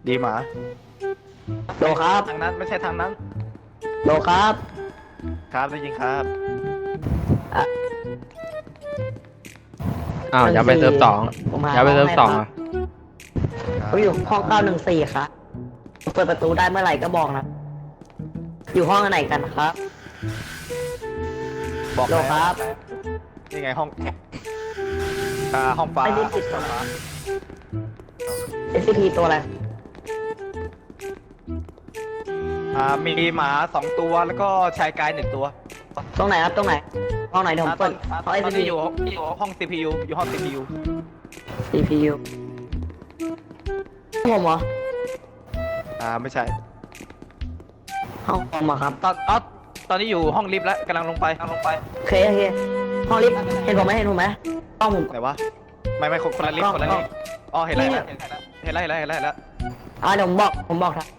ดีหมาโลครับทางนั้นไม่ใช่ทางนั้นโลครับครับได้ยินครับอ่ะอ้าวอย่าไปเซิร์ฟสองผมหาอย่าไปเซิร์ฟสองห้อ่ะเขาอยู่ห้อง914ครับเปิดประตูได้เมื่อไหร่ก็บอกนะอยู่ห้องไหนกันครับบอกโลครับนี่ไงห้องห้องฟ้าไม่ได้ปิดหรอ SCP ตัวอะไรมีหมา2ตัวแล้วก็ชายกาย1ตัวตรงไหนครับตรงไหนห้องไหนเดี๋ยวผมเปิดห้องตอน SCP นี้อยู่ห้อง CPU อยู่ห้อง CPU CPU ผมเหรอไม่ใช่ห้องผมเหรอครับตอนนี้อยู่ห้องลิฟต์แล้วกำลังลงไปโอเคโอเคห้องลิฟต์เห็นผมไหมห้องผมไหนวะไม่คนละลิฟต์คนละลิฟต์อ๋อเห็นแล้วเห็นแล้วเดี๋ยวผมบอกครับ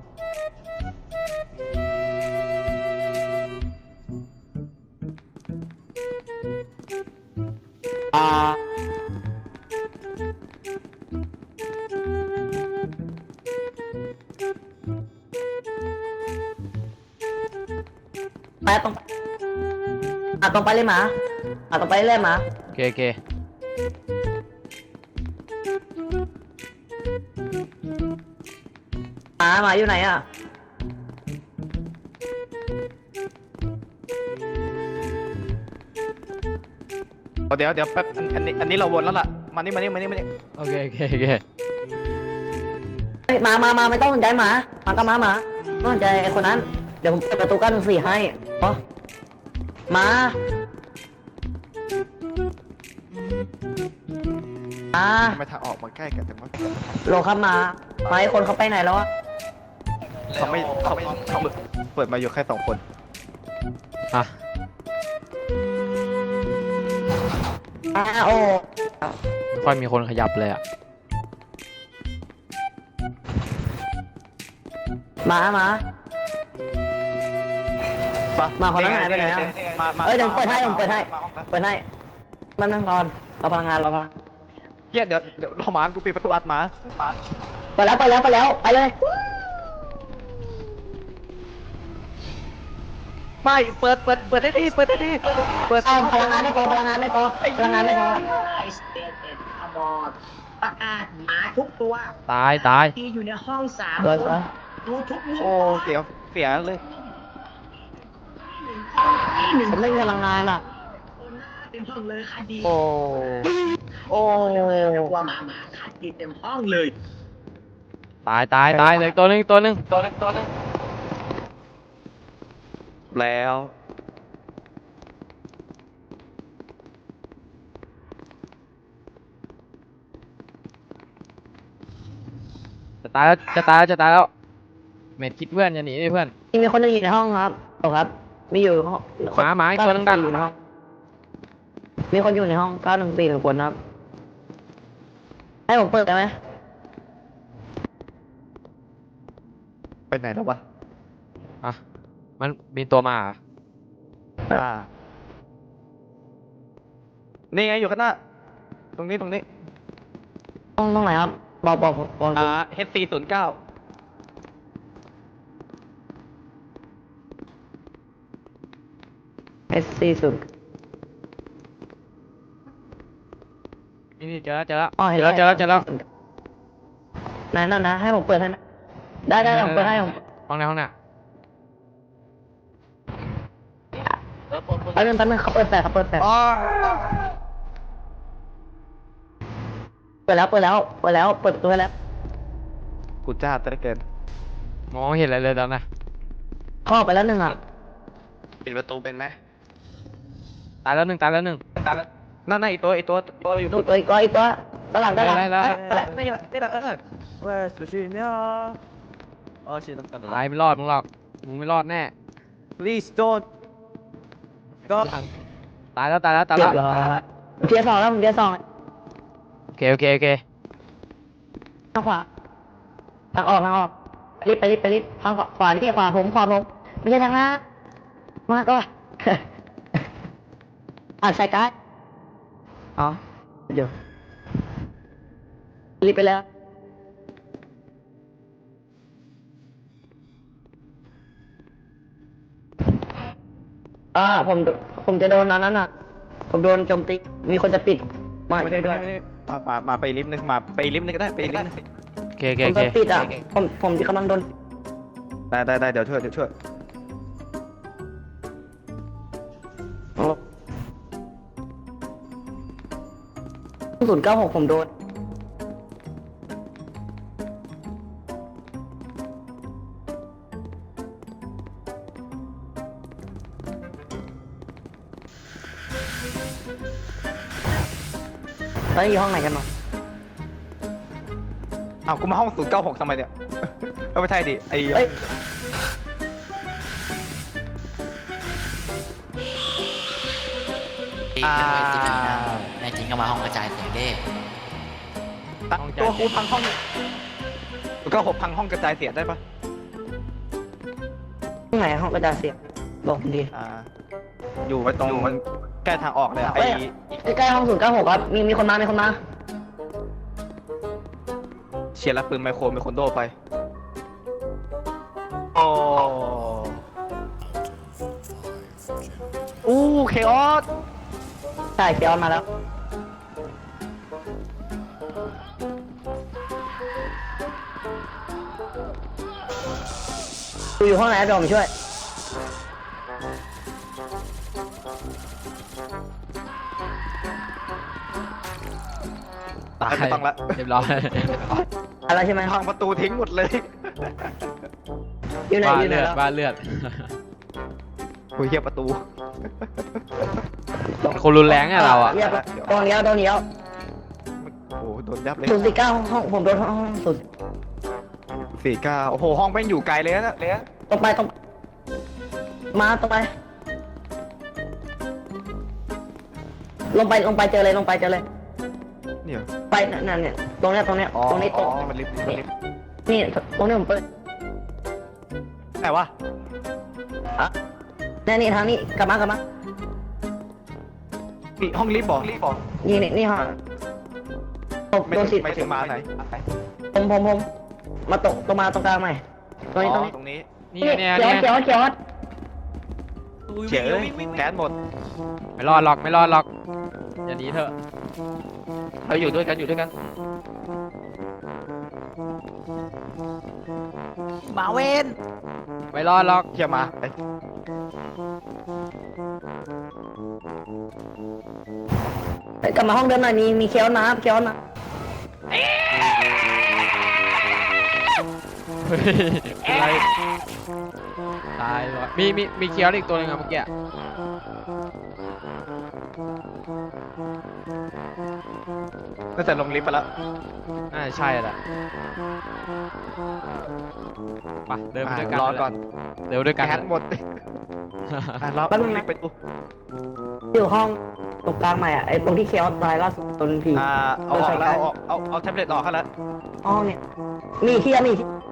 ไปตรงไปเลยหมาตรงไปเลยหมาโอเคโอเคหมาอยู่ไหนอ่ะเดี๋ยวแป๊บอันนี้เราวนแล้วล่ะมานี่โอเคโอเคโอเคเฮ้ยมาไม่ต้องสนใจหมาก็มาไม่สนใจไอ้คนนั้นเดี๋ยวผมเปิดประตู914ให้อ๋อมาทำไมทางออกมาใกล้กันจังวะโลครับมาไอ้คนเขาไปไหนแล้วอะเขาเปิดมาอยู่แค่2 คนอ่ะโอ้ไม่ค่อยมีคนขยับเลยอ่ะมาคนนั้นหายไปไหนอะเอ้ยเดี๋ยวผมเปิดให้มันนั่งนอนเราพลังงานเฮียเดี๋ยวเราหมากูปิดประตูอัดหมาไปแล้วไปเลยไม่เปิดได้ทีเปิดพลังงานไม่พอไ I stated about ประกาศหมาทุกตัวตายที่อยู่ในห้อง3 เลยดูทุกมุมโอ้เสียเลยผมไม่มีพลังงานอ่ะเต็มห้องเลยค่ะดีโอ้ว่าหมาค่ะดีเต็มห้องเลยตายเลยตัวหนึงแล้วจะตายแล้วเม็ดคิดเพื่อนอย่าหนีดิเพื่อนมีคนอยู่ในห้องครับครับมีอยู่ห้องหมาอีกตัวนึงดันอยู่ในห้องมีคนอยู่ในห้อง914คนครับให้ผมเปิดได้ไหมไปไหนแล้ววะอ่ะมันมีตัวมาเหรอนี่ไงอยู่ข้างหน้าตรงนี้ห้องไหนครับบอก H409 S40 นี่เจอแล้วอ๋อเห็นแล้วนั่นนะให้ผมเปิดให้นะได้ผมเปิดให้ผมห้องไหนแป๊บนึงเขาเปิดแฟลชเปิดแล้วเปิดประตูให้แล้วกูจ้าแต่เกินมองไม่เห็นอะไรเลยตอนน่ะเข้าไปแล้วหนึ่งอ่ะปิดประตูเป็นไหมตายแล้วหนึ่งนั่นอีกตัวอยู่ดูตัวอีกตัวด้านหลังได้ไม่ใช่ไม่ได้ว่าสุชิเนี่ยชิน้ำกันตายไม่รอดมึงไม่รอดแน่ please don't ก็ตายแล้วเรียบร้อยเทียร์สองแล้วผมเทียร์สองโอเคทางขวาทางออกรีบทางขวาที่ขวาผมไม่ใช่ทางหน้ามาก็ใส่การ์ดอ๋อเดี๋ยวรีบไปแล้วผมจะโดนนั้นน่ะผมโดนโจมตีมีคนจะปิดมาช่วยด้วยมาไปลิฟต์นึงมาไปลิฟต์นึงก็ได้ไปลิฟต์นึงโอเคโอเคผมโอเคโดนปิดอ่ะผมกำลังโดนได้เดี๋ยวช่วย 096ผมโดนแล้วอยู่ห้องไหนกันเนาะอ้าวกูมาห้อง096ทำไมเนี่ยไม่ใช่ดิไอ้เอ้ยในจริงก็มาห้องกระจายเสียงเด้ตัวกูพังห้อง096พังห้องกระจายเสียงได้ปะห้องไหนห้องกระจายเสียงบอกผมดีอยู่ไว้ตรงใกล้ทางออกเลยไอ้ใกล้ๆห้อง096ครับมีคนมาเชียร์รับปืนไมโครโดไปโอ้เคออสใช่เคียวมาแล้วอยู่ห้องไหนเดี๋ยวผมช่วยตายไม่ต้องละเรียบร้อยอะไรใช่ไหมพังประตูทิ้งหมดเลยอยู่ไหนบ้าอยู่ไหนเลือดแล้วบ้าเลือดกูเฮียประตูคนรุนแรงอะเราอะเรียบตรงนี้โอ้โดนยับเลย 049ห้องผมโดนห้อง 49โอ้โหห้องแม่งอยู่ไกลเลยนะเลยตรงไปมาตรงไปลงไปเจอเลยเนี่ยไปนั่นเนี่ยตรงเนี้ยตรงนี้มันลิฟต์นี่ตรงนี้ผมเปิดไหนวะนี่ทางนี้กลับมานี่ห้องลิฟต์บอกนี่ห้องไม่โดนสิไม่ถึงมาไหนผมมาตรงมาตรงกลางใหม่ตรงนี้ตรงนี้นี่เนี่ยเขีเนี่ยยวเฉยแก๊สหมดไม่รอดหรอกอย่าหนีเถอะเราอยู่ด้วยกันมาเวนไม่รอดหรอกเชี่ยมากลับมาห้องเดิมหน่อยมีเคียวน้เฮ้ยอะไรตายเลยวะมีเคียวอีกตัวหนึงอะเมื่อกี้น่าจะลงลิฟต์ไปแล้วน่าจะใช่แหละไปเดินไปด้วยกันรอก่อนเดินไปด้วยกันแก๊สหมดรอลิฟต์ไปตู้อยู่ห้องตรงกลางใหม่ไอ้ตรงที่เคียวตายล่าสุดตนผีเอาออกแล้วเอาแท็บเล็ตออกแล้วห้องเนี่ยมีเคียว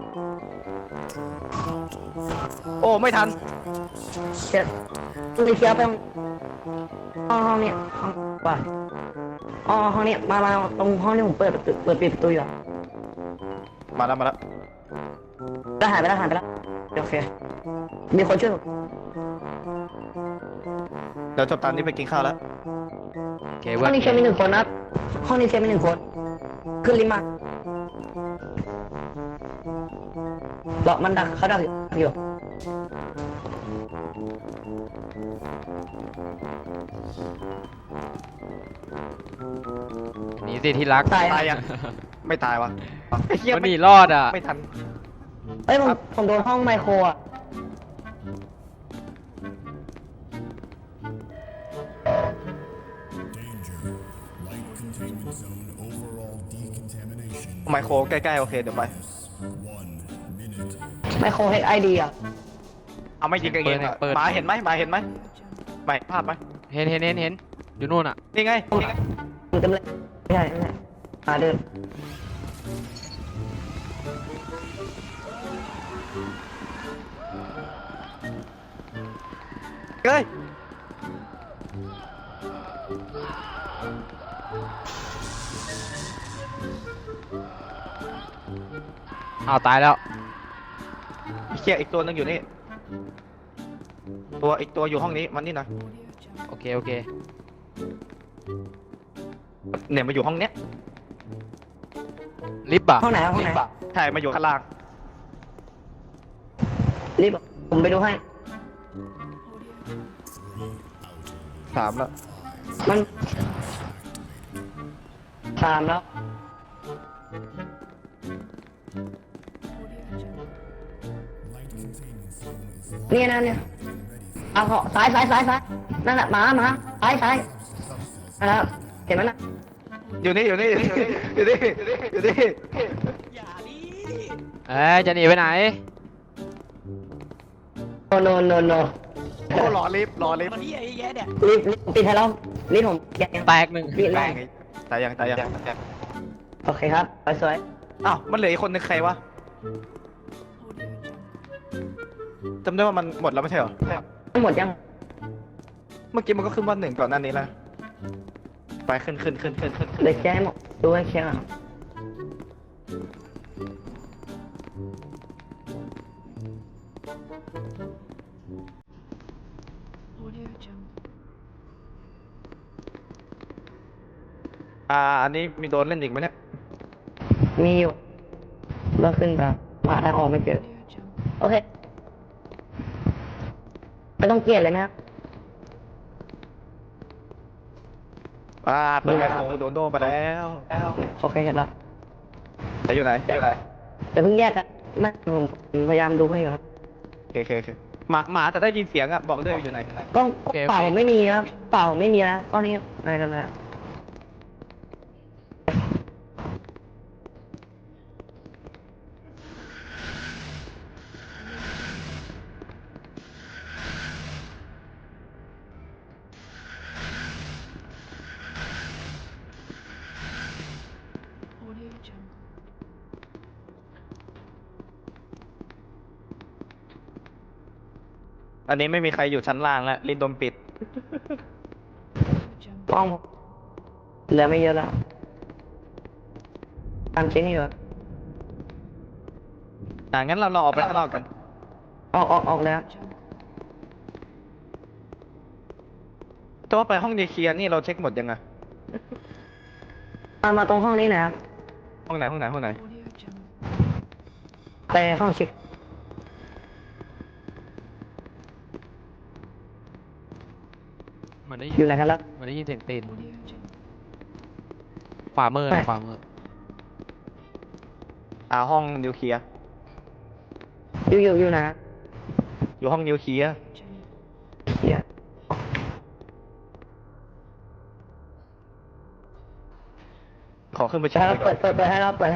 โอ้ไม่ทันมีเคียวไปห้องเนี่ยห้องว่าห้องเนี่ยมาตรงห้องที่ผมปิดประตูอยู่มาแล้วแล้วหายไปแล้วโอเคมีคนช่วยผมเดี๋ยวจบตามนี้ไปกินข้าวแล้วโอเคห้เว้อย งนี้เคียวมี1 คนนะห้องนี้เคียวมี1 คนขึ้นลิฟต์มามันดักเขาดักอยู่หนีสิที่รักตายตายยังไม่ตายวะมันหนีรอดอ่ะไม่ทันเอ้ยผมโดนห้องไมโครอ่ะไมโครใกล้ๆโอเคเดี๋ยวไปไมโครเฮดไอดีอ่ะเอาไม่ยิงกันเองอะหมาเห็นไหมไม่พลาดไหมเห็นอยู่นู่นอ่ะนี่ไงอยู่เต็มเลยไม่ใช่มาเดินเฮ้ยอ้าวตายแล้วเชี่ยอีกตัวนึงอยู่นี่อีกตัวอยู่ห้องนี้มันนี่หน่อยโอเคโอเคเนี่ยมาอยู่ห้องเนี้ยลิฟต์อ่ะห้องไหนห้องไหนใช่มาอยู่ข้างล่างรีบผมไปดูให้ถามแล้วมันตามแล้วเนี่ยนะเนี่ยเอาเขาซ้ายนั่นแหละหมาซ้ายนั่นแหละเห็นไหมน่ะอยู่นี่อยู่นี่อยู่นี่อยู่นี่จะหนีไปไหนโนโอ้รอลิฟต์รีบปิดให้เรารีบผมแกะแตกหนึ่งรีบแม่ไล่งตายยังตายยังโอเคครับไปสวยอ้าวมันเหลืออีกคนนึงใครวะจำได้ว่ามันหมดแล้วไม่ใช่เหรอทั้งหมดยังเมื่อกี้มันก็ขึ้นว่า1ก่อนหน้านี้แล้วไปขึ้นเดี๋ยวแกะให้หมดดูให้เคลียร์ก่อนอันนี้มีโดนเล่นอีกไหมเนี่ยมีอยู่เลิกขึ้นไปมาทางออกไม่เจอโอเคไม่ต้องเกลียดเลยนะครับเปิดไมโครโดนโดไปแล้วโอเคเห็นแล้วจะอยู่ไหนแต่เพิ่งแยกกันไม่ผมพยายามดูให้อยู่ครับโอเคหมาแต่ได้ยินเสียงอะบอกด้วยอยู่ไหนกล้องเปล่าไม่มีครับเปล่าไม่มีแล้วก้อนนี้อะไรกันแล้วอันนี้ไม่มีใครอยู่ชั้นล่างแล้วลินโดนปิดกล้องเหลือไม่เยอะแล้วตามจริงให้อยู่งั้นเราออกไปข้างนอกกันออกแล้วแต่ว่าไปห้องดีเคลียร์นี่เราเช็คหมดยังไงมาตรงห้องนี้นะครับห้องไหนไปห้องเช็คเหมือนได้อยู่ไหนกันแล้วเหมือนได้ยินเสียงตีนขวามือนะขวามือห้องนิวเคลียร์อยู่นะอยู่ห้องนิวเคลียร์เดี๋ยวขอขึ้นไปเช็คให้เราก่อนเปิดให้เราเปิดให้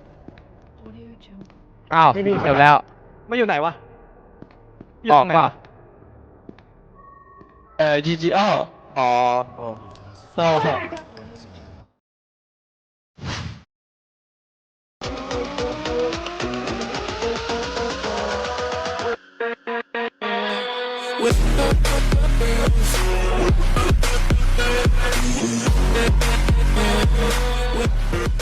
อ้าวไม่ดีจบแล้วไม่อยู่ไหนวะยู่อตอกรงไหนเปล่าวะ GGR อ๋อ With